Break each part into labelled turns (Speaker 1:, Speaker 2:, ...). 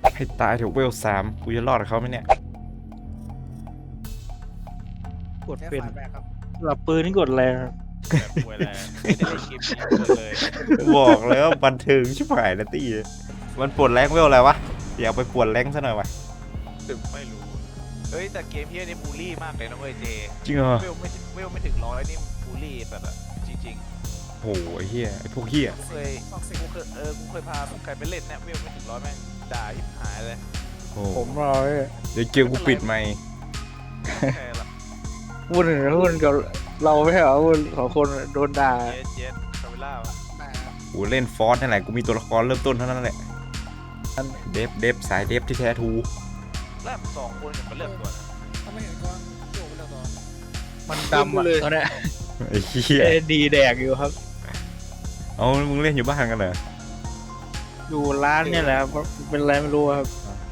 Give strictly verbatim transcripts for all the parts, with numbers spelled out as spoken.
Speaker 1: ให้ตายเถอะเวลสามกูจะรอดกับเขาไหมเนี่ย
Speaker 2: กดเป็นหลับปืนนี่กดแรง
Speaker 3: แบบป่วยแล้วไม่ได้เล่นเกมนี้เลย
Speaker 1: บอกแล้วบันเทิงชิบหายนะตี้มันปวดแรงเวลอะไรวะอยากไปปวดแรงซะหน่อยวะ
Speaker 3: ไม่รู้เฮ้ยแต่เกมพี่นี่บูลลี่มากเลยนะเว้ยเจ
Speaker 1: จริงเหรอ
Speaker 3: เวลไม่เวลไม่ถึงร้อยนี่บูลลี่แบบอะจริง
Speaker 1: โอ้ยเฮียไอพวกเฮีย
Speaker 3: ๆเคยกูเคยเออกูเคยพาใครไปเล่นเนี่ยเวลไม่ถึงร้อยแม่งด่าทิบหายเลย
Speaker 1: โอ้
Speaker 2: ผมรอไว้
Speaker 1: เดี๋ยวเกมกูปิดไมค์
Speaker 3: แค่ละ
Speaker 2: วุ่นวุ่นกับเราไม่ใช่เหรอวุ่นของคนโดนด่า
Speaker 3: เย็ดเย็ดคาเวล่า
Speaker 1: กูเล่นฟอสนั่นแหละกูมีตัวละครเริ่มต้นเท่านั้นแหละเดฟเดฟสายเดฟที่แท้ทู
Speaker 3: แลบสองคนอย่างมันเลือกตัวนะ
Speaker 2: มันดำอ่ะตอนเนี้ย
Speaker 1: ไอ้เฮีย
Speaker 2: เอดีแดกอยู่ครับ
Speaker 1: เอามึงเล่นอยู่บ้านกันเหรอ
Speaker 2: อยู่ร้านเนี่ยแหละครับเป็นอะไรไม่รู้ครับ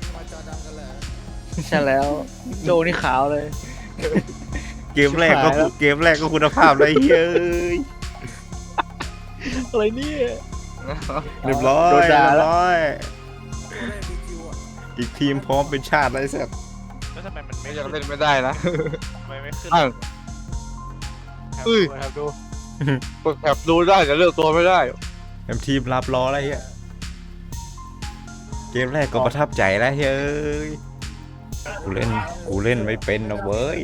Speaker 2: ใช่แล้วโจนี่ขาวเลย
Speaker 1: เกมแรกก็
Speaker 2: ชิบหายแล้ว
Speaker 1: เกมแรกก็คุณภาพเลยเฮ้ย
Speaker 2: อะไรเนี่ย
Speaker 1: เรียบร้อย
Speaker 2: โดน
Speaker 1: เรี
Speaker 2: ด่าย
Speaker 1: บ
Speaker 2: แล้ว
Speaker 1: ร้อยอีกทีมพร้อมเป็นชาติไรสัก
Speaker 3: แล้วทำไมมันไม่
Speaker 4: ไม่
Speaker 3: ขึ้
Speaker 4: ยัง
Speaker 3: น
Speaker 4: เล่นไม่ได้นะ
Speaker 3: ทำไมไม่ขึ้น
Speaker 4: อ้าว
Speaker 3: ครับ
Speaker 4: อุ้ย
Speaker 3: ดูครับดู
Speaker 4: กดแถบดูได้แต่เลือกตัวไม่ได้
Speaker 1: เต็มทีมรับรออะไรเฮียเกมแรกก็ประทับใจแล้วเฮ้ยกูเล่นกูเล่นไม่เป็นนะเว้ย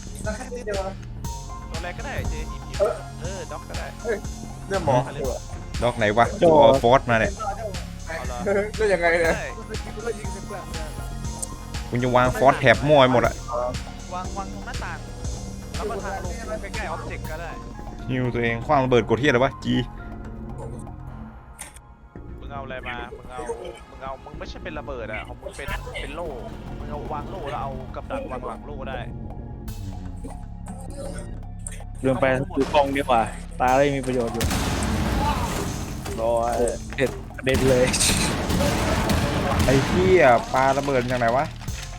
Speaker 3: ตัวอะไรก็ได้เจหยิบหยิบเออด็อกก็ได้
Speaker 4: เรื่องหมอ
Speaker 1: ดอกไหนวะกูเอาฟอสมาเนี่ย
Speaker 3: เอาละ
Speaker 4: เรื่องยังไงเนี่ย
Speaker 3: ได้
Speaker 1: กูจะวางฟอสแถบมั่วไปหมดอะ
Speaker 3: วางวางตรงหน้าต่างแล้วก็ทางลงใกล้ๆออบเจกต์ก็ได้
Speaker 1: ฮิวตัวเองคว้างระเบิดกดเทียอะไรวะจี
Speaker 3: มึงเอาอะไรมา มึงเอา มึงเอา มึงไม่ใช่เป็นระเบิดอ่ะของมึงเป็น เป็นโล่ มึงเอาวางโล่แล้วเอากับดักวางหลังโล่ได้
Speaker 2: เดินไปดูกล้องดีกว่า ตาได้มีประโยชน์อยู่รอเด็ดเด็ดเลย
Speaker 1: ไอ้เหี้ยปลาระเบิดจากไหนวะ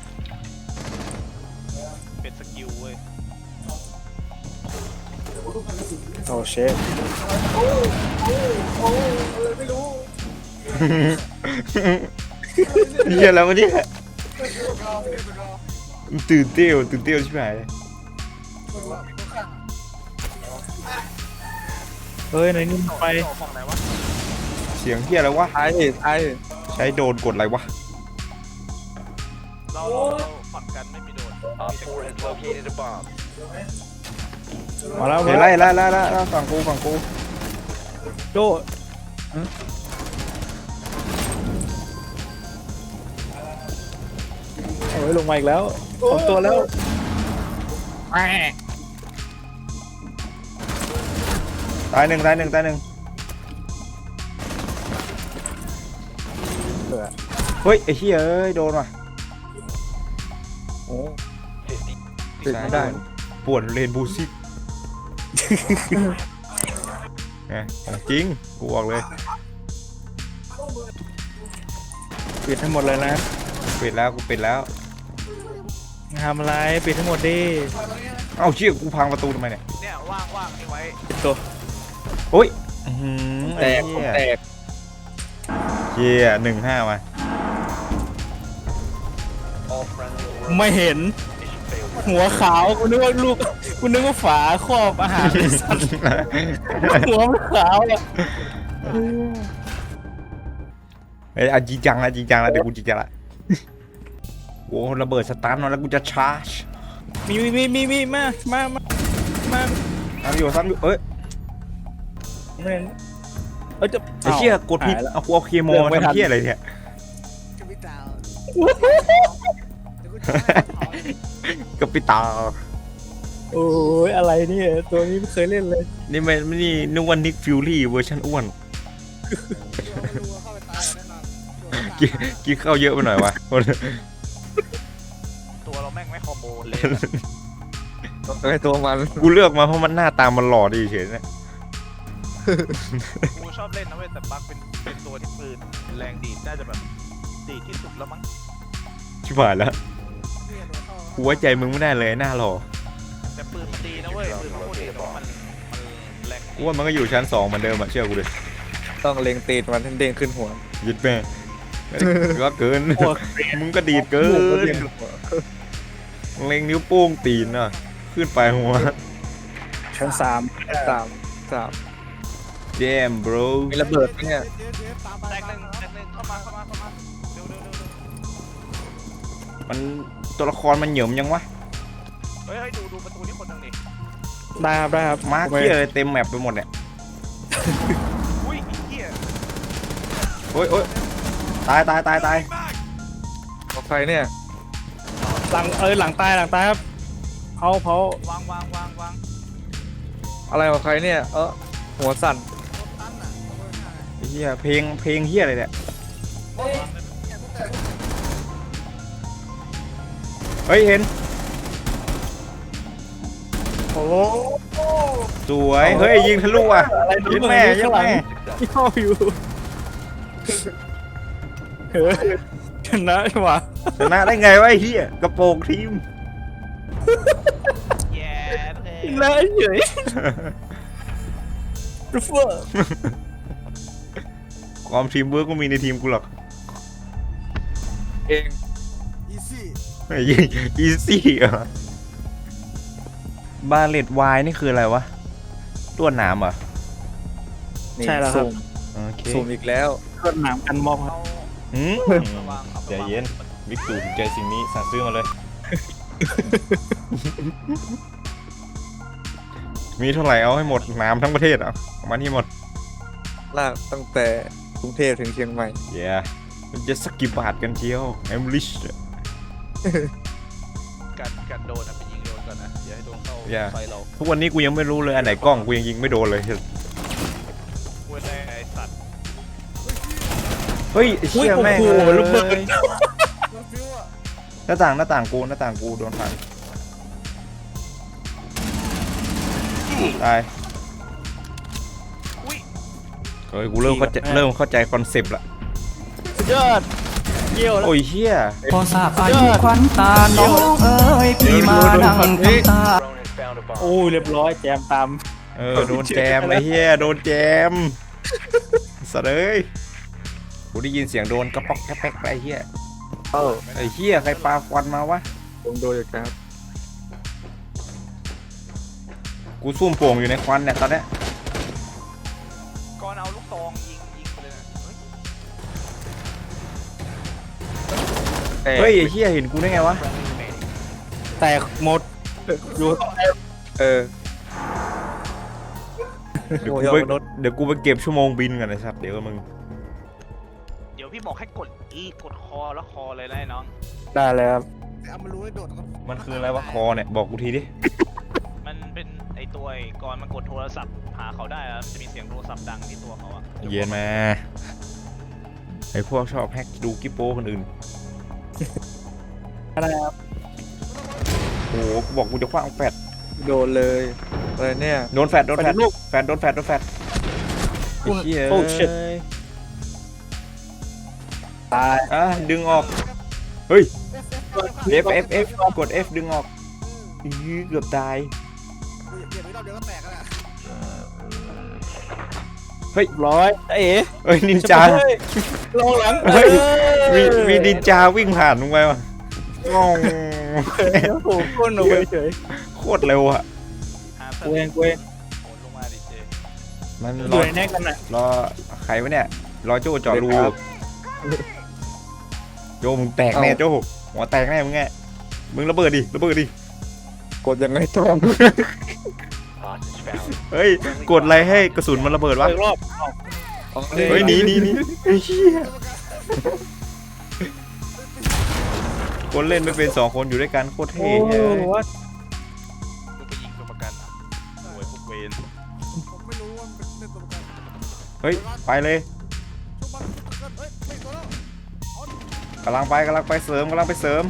Speaker 3: เป็นสกิลเว้ย
Speaker 2: โอ้เชฟ
Speaker 1: เหี้ยแล้ววะเนี่ยมันตื่นเต้วตื่นเต้วใช่ไหม
Speaker 2: เฮ้ยไหนนี่ไป
Speaker 3: ออกฝั่งไหนวะ
Speaker 1: เสียงเหี้ยอะไรวะ
Speaker 4: ท้ายดิท้ายดิ
Speaker 1: ใช้โดนกดอะไรวะ
Speaker 3: เราเราเราฝั่งกันไม่มีโดนมีแต่กด
Speaker 2: มาแล้ว
Speaker 1: เฮ้ยไล่ไล่ไล่ไล่ไล่ฝั่งกูฝั่งกู
Speaker 2: โจโอ้ยลงมาอีกแล้วสองตัวแล้วแหม่
Speaker 1: ตายหนึ่งตายหนึ่งตายหนึ่งเฮ้ยไอ้เหี้ยเอ้ยโดนว่ะ
Speaker 2: โอ้
Speaker 4: ติดไม่ได้
Speaker 1: ปวดเรนบูซิกไงของจริงกูบอกเลย
Speaker 2: ปิดทั้งหมดเลยนะ
Speaker 1: ปิดแล้วกูปิดแล้ว
Speaker 2: ทำอะไรปิดทั้งหมดดิ
Speaker 1: เอ้าเชี่ยกูพังประตูทำไมเนี่ย
Speaker 3: เนี่ยว่างว่างนี่ไว้
Speaker 2: ตัว
Speaker 1: โอ้ยอื้อหือ
Speaker 4: แตก
Speaker 1: ไอ้เหี้ย
Speaker 4: แตก
Speaker 1: เชี่ยหนึ่งห้ามา
Speaker 2: ไม่เห็น หัวขาวกูนึกว่าลูกกูนึกว่าฝาครอบอาหารไอ้สัตว์หัวมันขาวอ่ะ
Speaker 1: เฮ้ยเอาจริงจังละจริงจังละเดี๋ยวกูจริงจังละโอ้ระเบิดสตาร์ทมาแล้วกูจะชาร์จ
Speaker 2: มีมีมีมีมีมามามามา
Speaker 1: ซ้ำอยู่ซ้ำอยู่เอ้ย
Speaker 2: ไม่เห็นเอ้ยจะ
Speaker 1: ไอ้เชี่ยกดผิด
Speaker 2: หายแล้ว
Speaker 1: เอากูเอาเคโม
Speaker 2: เลือกไม่ทัน
Speaker 1: ทำเชี่ยอะไรเนี่ยกับปิตา
Speaker 2: โอ้ยอะไรเนี่ยตัวนี้ไม่เคยเล่นเลย
Speaker 1: นี่มันไม่นี่นึกว่านิกฟิวรี่เวอร์ชันอ้วนกินกินข้าวเยอะไปหน่อยวะ
Speaker 3: ตัวเราแม่งไม่คอมโบเลย
Speaker 4: ต้องให้ตัวมัน
Speaker 1: กูเลือกมาเพราะมันหน้าตามันหล่อดีเฉยๆเนี่ย
Speaker 3: กูชอบเล่นนะเว้ยแต่บักเป็นเป็นตัวที่ปืนแรงดีดน่าจะแบบดีดที่สุดแล้วมั้ง
Speaker 1: ชิบหายแล้วกูไว้ใจมึงไม่ได้เลยหน้าหล่อ
Speaker 3: แต่ปืนมันดีนะเว้ยปืนมันโคตรดีแต่ว่ามันมันแรง
Speaker 1: กูว่ามันก็อยู่ชั้นสองเหมือนเดิมอะเชื่อกูเลย
Speaker 4: ต้องเล็งตีนมันให้เด้งขึ้นหัว
Speaker 1: ยึดแม่ก็เกิน
Speaker 2: หัว
Speaker 1: มึงก็ดีดเกิ
Speaker 4: หมูกระ
Speaker 1: น
Speaker 4: เทียม
Speaker 1: เล็งนิ้วโป้งตีนอ่ะขึ้นไปหัว
Speaker 2: ชั้นสาม
Speaker 4: สามสาม
Speaker 1: แจม bro
Speaker 4: มีระเบิดไหมเนี่ย
Speaker 3: แตกหนึ่งแตกหนึ่งเข้ามาเข้ามาเข้ามาเร็วเร็วเร็วเร็ว
Speaker 1: มันตัวละครมันเหยิมยังวะ
Speaker 3: เฮ้ยเฮ้ยดูดูประตูนี่คนหนึงดิ
Speaker 2: ได้ครับได้ครับ
Speaker 1: มาร์คเหี้ยอะไรเต็มแมปไปหมดเนี่ย
Speaker 3: อุ้ยไอ้เหี้ย
Speaker 1: โอ้ยโอ้ยตายตายตายตาย
Speaker 4: ของใครเนี่ย
Speaker 2: หลังเออหลังตายหลังตายครับเผาเผาว
Speaker 3: างวางวางวาง
Speaker 4: อะไรของใครเนี่ย เออหัวสั่น
Speaker 1: ไอ้เหี้ยเพลงเพลงเหี้ยอะไรเนี่ยเฮ้ยเห็น
Speaker 2: โอ้โห
Speaker 1: สวยเฮ้ยยิงทะลุอ่ะ
Speaker 2: อะไร
Speaker 1: ยิงแม่ยิงแม่
Speaker 2: ย่ออยู่เฮ้ยชนะใช่ปะ
Speaker 1: ชนะได้ไงวะไอ้เหี้ยกระโปรงทีม
Speaker 3: แย่เลย
Speaker 2: ชนะเฉยรูเฟอร์
Speaker 1: ความทีมเวิร์กก็มีในทีมกูหรอก
Speaker 4: เอง
Speaker 1: ไอ้ยี่อีซี่อ่ะบาเลตวายนี่คืออะไรวะตัวหนามเหรอ่ะ
Speaker 4: นี่
Speaker 2: ใช่แล้วครับ
Speaker 4: สุ่ม
Speaker 1: โอเค
Speaker 4: สุ่มอีกแล้ว
Speaker 2: เครื่องหนามกันมอบครับ
Speaker 3: เอา
Speaker 1: หืม
Speaker 3: ระวังครับ
Speaker 1: ใจเย็นวิกตูถูกใจสิ่งนี้สั่งซื้อมาเลย มีเท่าไหร่เอาให้หมดหนามทั้งประเทศเอาเอามาที่หมด
Speaker 4: ลากตั้งแต่กรุงเทพถึงเชียงใหม่
Speaker 1: เย้มันจะสักกี่บาทกันเชียวเอมลิช
Speaker 3: กันกันโดนนะไปยิงโดนก่อนนะอย่าให้โดนเข้า
Speaker 1: อย่า
Speaker 3: ไฟเรา
Speaker 1: ทุกวันนี้กูยังไม่รู้เลยอันไหนกล้องกูยังยิงไม่โดนเลย
Speaker 3: เว้ยได้ไอ้สัตว์
Speaker 1: เฮ้ยไอ้เชี่ยแม่ง
Speaker 2: โอ้โห
Speaker 1: เลย
Speaker 2: ระเบิด
Speaker 1: หน้าต่างหน้าต่างกูหน้าต่างกูโดนพังตาย
Speaker 3: อุ้ย
Speaker 1: เฮ้ยกูเริ่มเข้าใจเริ่มเข้าใจคอนเซปต์ละ
Speaker 2: สุดยอดเกี่ยวแล้ว
Speaker 1: โอ้ยเชี่ย
Speaker 5: พอทราบอายุควันตา น้องเอ๋ยพี่มานั่งทำตา
Speaker 2: โอ้ยเรียบร้อยแจมตาม
Speaker 1: เออโดนแจมไอ้เหี้ยโดนแจมสัตว์เอ้ยกูได้ยินเสียงโดนกระป๊อกกระแป๊กไปไอ้เหี้ย
Speaker 4: เออ
Speaker 1: ไอ้เหี้ยใครปาควันมาวะ
Speaker 4: ผมโดนอยู่ครับ
Speaker 1: กูซุ่มโป่งอยู่ในควันเนี่ยตอนเนี้ย
Speaker 3: ก่อนเอาลูกตองยิงยิงไปเลยนะเฮ้ย
Speaker 4: แต่
Speaker 1: เฮ้ยไอ้เหี้ยเห็นกูได้ไงวะ
Speaker 2: แตกหมดอยู่
Speaker 4: เออ
Speaker 1: เดี๋ยว
Speaker 4: โอ้
Speaker 1: กู
Speaker 4: ย
Speaker 1: ไป
Speaker 4: มนุษย์
Speaker 1: เดี๋ยวกูไปเก็บชั่วโมงบินกันไอ้สัตว์เดี๋ยวมึง
Speaker 3: เดี๋ยวพี่บอกให้กดอีกดคอแล้วคอเลยนะไอ้น้อง
Speaker 2: ได้แล้วครับ
Speaker 1: มันคืออะไรวะคอเนี่ยบอกกูทีดิ
Speaker 3: มันเป็นไอตัวไอ้ก่อนมันกดโทรศัพท์หาเขาได้แล้วมันจะมีเสียงโทรศัพท์ดังที่ตัวเขาอะ
Speaker 1: เย็นมาไอ้พวกชอบแฮกดูกิ๊ปโป้คนอื่น
Speaker 2: ได้ครับ
Speaker 1: โอ้โหกูบอกกูจะคว้างแฟด
Speaker 4: โดนเลย อะไรเนี่ย
Speaker 1: โดนแฟดโดนแฟดแฟดโดนแฟดโดนแฟดไอ้เหี้ย
Speaker 2: โอ้ชิตตาย
Speaker 1: อ่ะดึงออกเฮ้ย F F F กด F ดึงออกอื้อเกือบตาย
Speaker 2: ร้อยเอ๋
Speaker 1: เฮ้ยนินจา
Speaker 2: เฮ้ยลงหลัง
Speaker 1: เฮ้ย
Speaker 2: เอ้
Speaker 1: มีมีนินจาวิ่งผ่านมึงไปวะงง
Speaker 2: โอ้โหก้นเอาไว้เฉย
Speaker 1: โคตรเร็วอะ
Speaker 3: หา
Speaker 2: กูเองกูเอง
Speaker 3: โอนลงมาดิเจ
Speaker 1: มัน
Speaker 2: อ
Speaker 1: รอยู่
Speaker 2: ในแน่กันน่ะ
Speaker 1: รอใครวะเนี่ยรอโจ้เจาะรูโจ้มึงแตกแน่โจ้หัวแตกแน่มึงไงมึงระเบิดดิระเบิดดิ
Speaker 4: กดยังไงต้อง
Speaker 1: เฮ้ยกดอะไรให้กระสุนมันระเบิดวะ
Speaker 2: อีกรอบ
Speaker 1: เฮ้ยหนีหนีหนีไอ้เหี้ยคนเล่นไม่เป็นสองคนอยู่ด้วยกันโคตร
Speaker 2: โอ้
Speaker 1: เท่
Speaker 2: โห
Speaker 1: เลย
Speaker 2: ว่า
Speaker 3: มึงไปยิงตัวประกันอ่ะโวยพวกเวน
Speaker 1: เฮ้ยไปเลยกำลังไปกำลังไปเสริมกำลังไปเสริม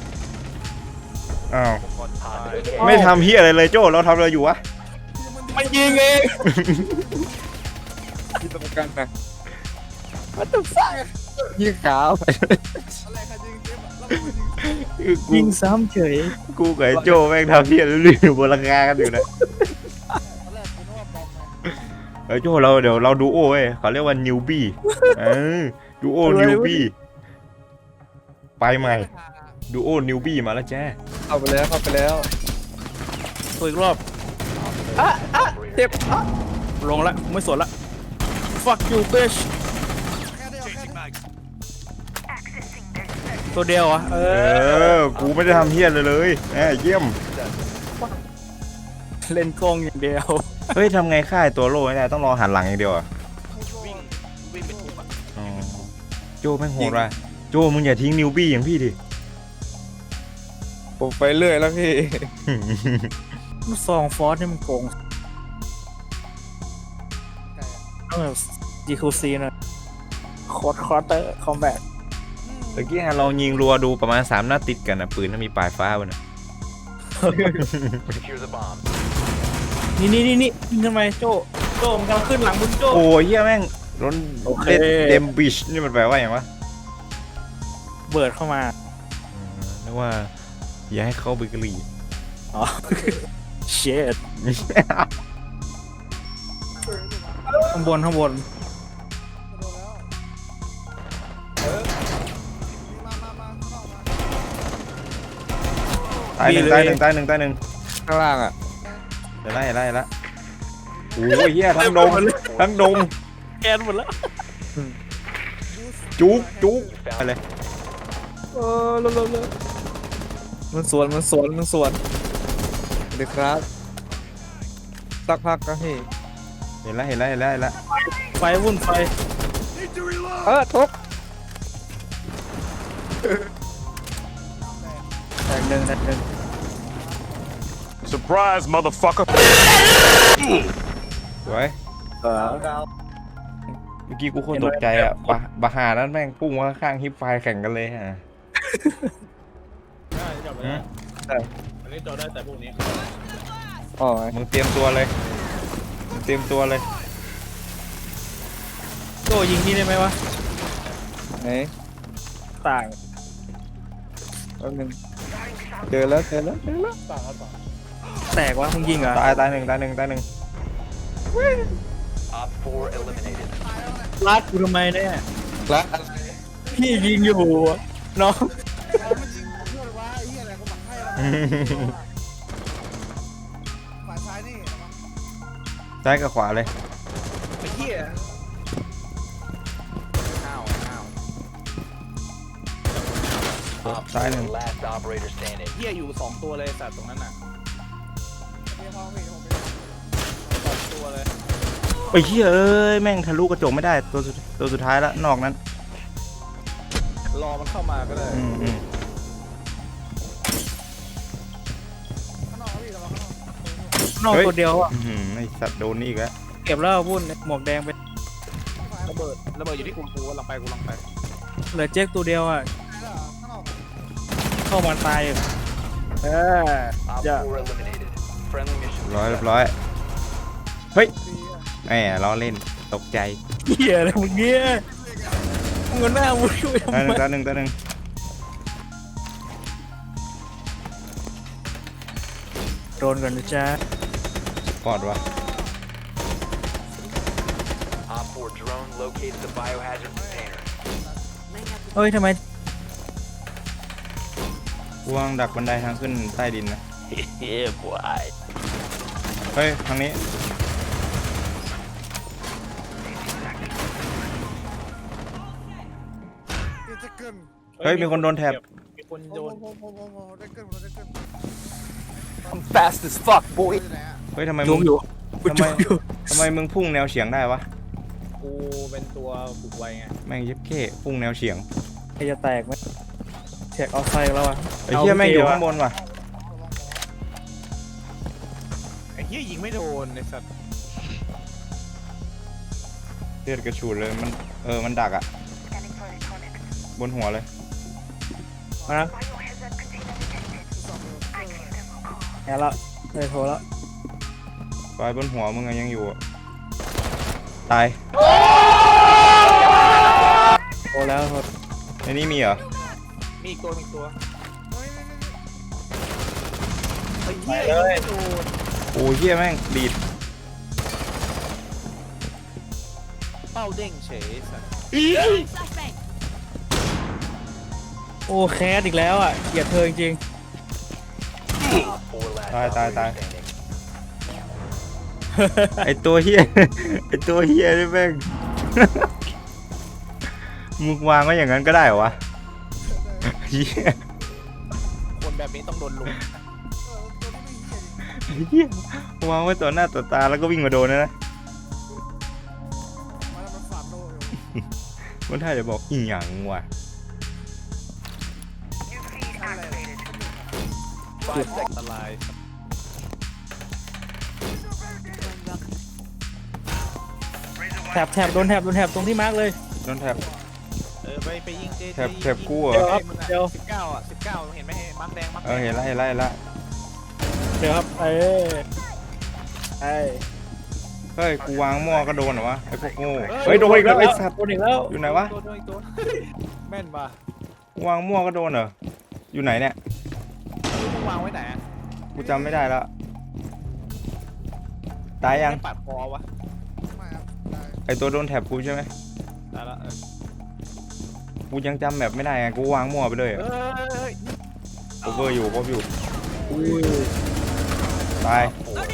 Speaker 1: อ้าว
Speaker 3: ก่อนตาย
Speaker 1: ไม่ทำเฮียอะไรเลยโจ้เราทำอะไรอยู่วะ
Speaker 2: มันยิงเอง
Speaker 4: ที่ตรงกันนะ
Speaker 2: มันต้องสร้าง
Speaker 4: ยิงขาว
Speaker 1: คือกู
Speaker 2: ยิงซ้ำเฉย
Speaker 1: กูกับไอ้โจ้แม่งทำเฮียเรื่อยๆบนราคากันอยู่นะเฮ้ยโจ้เราเดี๋ยวเราดูโอ้เว้ยเขาเรียกว่านิวบี้เออดูโอนิวบี้ไปใหม่ดูโอนิวบี้มาแล้วแจ้
Speaker 4: เข้าไปแล้วเข้าไปแล้ว
Speaker 2: ตัวอีกรอบอ่ะอ่ะเจ็บอ่ะลงละไม่สนละ fuck you bitch ตัวเดียวอ่ะเอ
Speaker 1: เอ
Speaker 2: อ
Speaker 1: อกูไม่ได้ทำเฮี้ยเลยเลยแหมเยี่ยม
Speaker 2: เล่นกล้องอย่างเดียว
Speaker 1: เฮ้ยทำไงค่ายตัวโล่ไม่ได้ต้องรอหันหลังอย่างเดียวอ่ะ
Speaker 3: วิ่งวิ่งเป็นทุบอ่ะ
Speaker 1: อ๋อโจแม่งโหดว่ะโจมึงอย่าทิ้งนิวบี้อย่างพี่ดิ
Speaker 4: ผมไปเรื่อยแล้วพี่
Speaker 2: ลูกซองฟอสนี่มันโกงต้องแบบ จี คิว ซี นะคอร์ดคอร์เตอร์คอมแบท
Speaker 1: ตะกี้ฮะลองยิงรัวดูประมาณสามนัดติดกันนะปืนถ้ามีปลายฟ้าบนน่ะ
Speaker 2: นี่นี่นี่นี่ยิงทำไมโจโจมันกำลังขึ้นหลังมึงโจ
Speaker 1: โอ้ยเฮี้ยแม่งร้น
Speaker 2: โอเค
Speaker 1: เล่นเดมบิชนี่มันแปลว่าอย่างวะ
Speaker 2: เบิร์ดเข้ามา
Speaker 1: อืมนึกว่าอย่าให้เข้าเบเกอรี่
Speaker 2: อ๋อ เชดข้างบนข้างบน
Speaker 1: ตายหนึ่งตายหนึ่งตายหนึ่งตายหนึ่ง
Speaker 4: ข้างล่างอ่ะ
Speaker 1: เดี๋ยวไล่ไล่ละโอ้ยเฮี้ยทั้งดงทั้งดง
Speaker 2: แกนหมดแล้ว
Speaker 1: จุกจุกไปเลย
Speaker 4: เออเร็วเร็วเร็วมันสวนมันสวนมันสวนสวัสดีครับสักพักก็พี่
Speaker 1: เห็นแล้วเห็นแล้วเห็นแล้วเห็นแล้ว
Speaker 2: ไฟวุ่นไฟ
Speaker 4: เออทุบ
Speaker 2: แตกหนึ่งแตกหนึ่ง
Speaker 6: Surprise, motherfucker.
Speaker 1: สวย
Speaker 2: เออ
Speaker 1: เมื่อกี้กูโคตรตกใจอ่ะบะบะหานั้นแม่งพุ่งมาข้างฮิปไฟแข่งกันเลยฮะ
Speaker 2: อันนี้จอได้แต่พวกนี้
Speaker 4: อ๋อ
Speaker 1: มึงเตรียมตัวเลยมึงเตรียมตัวเลย
Speaker 2: โจยิงนี่ได้ไหมวะ
Speaker 4: ไหน
Speaker 2: ต่าง
Speaker 4: แป๊บนึงเจอแล้วเจอแล้วเจอแล้ว
Speaker 2: แตกวะมึงยิงเหรอ
Speaker 1: ตายตายหนึ่งตายหนึ่งตายหนึ่ง
Speaker 2: ลาดกูทำไมเนี่ย
Speaker 4: ละ
Speaker 2: พี่ยิงอยู่น้อง
Speaker 1: ซ้ายกับขวาเลย
Speaker 3: ไอ้เหี้ยอ้าวอ้าว
Speaker 1: ซ้ายหนึ่ง
Speaker 3: เหี้ยอยู่สองตัวเลยสัตว์ตรงนั้นน่ะสองตัวเลย
Speaker 1: ไอ้เหี้ยเอ้ยแม่งทะลุกระจกไม่ได้ตัวสุดตัวสุดท้ายละนอกนั้น
Speaker 3: รอมันเข้ามาก็ได้
Speaker 1: อืมอืม
Speaker 2: นอก
Speaker 1: เฮ้ย
Speaker 2: ตัวเดียวอ่ะ
Speaker 1: อื้อหือไอสัตว์โดนนี่อีกแล้ว
Speaker 2: เก็บแล้ววุ่นหมวกแดงไป
Speaker 3: ระเบิดระเบิดอยู่ที่กูกูกำลังไปกูกำลังไป
Speaker 2: เหลือเจ๊กตัวเดียวอ่ะเข้ามาตายอยู่เอออย่า
Speaker 1: ร้อยเรียบร้อยเฮ้ยแหมล้อเล่นตกใจ
Speaker 2: เหี้ยอะไรมึงเงี้ยมึงเอาหน้ามึงช่วยทำ
Speaker 1: ตายห
Speaker 2: ไม
Speaker 1: นึ่งตายหนึ่งตายหนึ่ง
Speaker 2: โดนกันนะจ๊ะ
Speaker 1: ปอดวะ
Speaker 2: เฮ้ยทำไม
Speaker 1: กูวางดักบันไดทางขึ้นใต้ดินนะเฮ้ยบวยเฮ้ยทางนี้เฮ้ยมีคนโดนแท็บ
Speaker 2: มีคนโดน
Speaker 5: fast as fuck boy
Speaker 1: เฮ้ยทำไม
Speaker 2: จุ
Speaker 1: มึ
Speaker 2: ก
Speaker 1: ง
Speaker 2: อยู่กู
Speaker 1: ทำไม
Speaker 2: จุกอยู่
Speaker 1: ทำไมมึงพุ่งแนวเฉียงได้วะ
Speaker 2: กูเป็นตัวบุกไวไง
Speaker 1: แม่งเย็บเข้พุ่งแนวเฉียง
Speaker 2: ใครจะแตกไหมแท็กเอาไซแล้วอ่ะ
Speaker 1: ไอ้เหี้ยแม่งอยู่ข้างบนว่ะ
Speaker 3: ไอ้เหี้ยยิงไม่โดนไอ้สัตว์
Speaker 1: เลือดกระฉูดเลยมันเออมันดักอ่ะบนหัวเลย
Speaker 2: มานะแอบละเลยโทรแล้ว
Speaker 1: ไฟบนหัวมึงอะยังอยู่อะตาย
Speaker 2: โทรแล้วโทร
Speaker 1: ในนี้มีเหรอ
Speaker 3: มีอีกตัวมีอีกตัวไอ้เหี้ยยิงไม่โดน
Speaker 1: โอ้ยเหี้ยแม่งดีด
Speaker 3: เป้าเด้งเฉยไอ้สัตว์
Speaker 2: โอ้แคสอีกแล้วอ่ะเกลียดเธอจริง
Speaker 1: ตายตายตายไอตัวเฮียไอตัวเฮียนี่แม่ง มึงวางไว้อย่างนั้นก็ได้เหรอวะเฮีย
Speaker 3: คนแบบนี้ต้องโดนลุม
Speaker 1: เฮียวางไว้ต่อหน้าต่อตาแล้วก็วิ่งมาโดนนะนะมันท่าจะบอกอีหยังว่ะ
Speaker 3: อันตราย
Speaker 2: แถบแถบโดนแถบโดนแถบตรงที่มาร์กเลย
Speaker 1: โดนแถบ
Speaker 3: เออไปไปยิงเจ
Speaker 1: แถบแถบกู้เหร
Speaker 2: เดี๋ยว
Speaker 1: อ
Speaker 2: ครับเดี๋ยว
Speaker 3: สิบเก้าอ่ะสิบเก้าเห็นไหมมังแดงมัง
Speaker 1: เออเห็นละเห็นละเห็นละ
Speaker 2: เดี๋ยวครับเอ้ยไอ้
Speaker 1: เฮ้ยกูวางหม้อก็โดนเหรอวะไอพวกโง่เฮ้ยโดนอีกแล้วไอสัตว์
Speaker 2: โดนอีกแล้ว
Speaker 1: อยู่ไหนวะ
Speaker 3: ตัวตัวอีกตัวแม่นป่ะ
Speaker 1: กูวางหม้อก็โดนเหรออยู่ไหนเนี่ย
Speaker 3: มึงวางไว้ไหนอะ
Speaker 1: กูจำไม่ได้ละตายยัง
Speaker 3: ไม่ปัดคอวะ
Speaker 1: ไอตัวโดนแถบกูใช่ไหม
Speaker 3: ตายละเออ
Speaker 1: กูยังจำแบบไม่ได้ไงกูวางมั่วไปเลย
Speaker 3: เอ้ย
Speaker 1: โอเวอร์อยู่ครบอยู่
Speaker 2: อุ้ย
Speaker 1: ตาย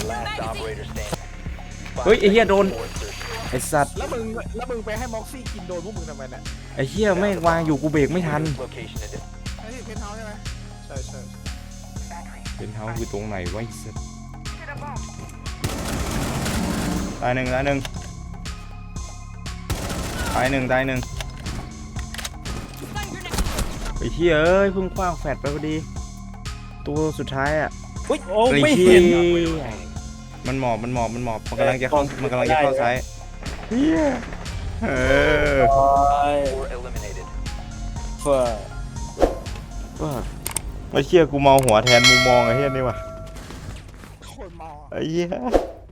Speaker 1: เฮ้ยไอเฮียโดนไอสัตว์
Speaker 3: แล้วมึงแล้วมึงไปให้ม็อกซี่กินโดนพวกมึงทำไมเนี่ย
Speaker 1: ไอเฮียไม่งวางอยู่กูเบรกไม่ทัน
Speaker 3: ไอ้ที่เพนเฮาส์ใช่ไหมใช่ใช่
Speaker 1: เป็นเท้าคือตรงไหนวะไอ้สัตว์ตายหนึ่งตายหนึ่งตายหนึ่งตายหนึ่งไอเฮียเอ้ยเพิ่งคว้างแฟดไปพอดีตัวสุดท้ายอ่ะ
Speaker 2: อุ้ยโอ้
Speaker 1: ไอ้
Speaker 2: ไม่
Speaker 1: เหี้
Speaker 2: เห็น
Speaker 1: ยมันหมอบมันหมอบมันหมอบมันกำลังจะเข้ามันกำลังจะเข้าซ้ายเฮียเออ
Speaker 2: เฟิร์
Speaker 1: ว่าไอ้เชี่ยกูเมาหัวแทนมุมมองไอ้เฮียนี่ว่ะ
Speaker 3: โคตรเมาอะ
Speaker 1: ไอ้เหี้ย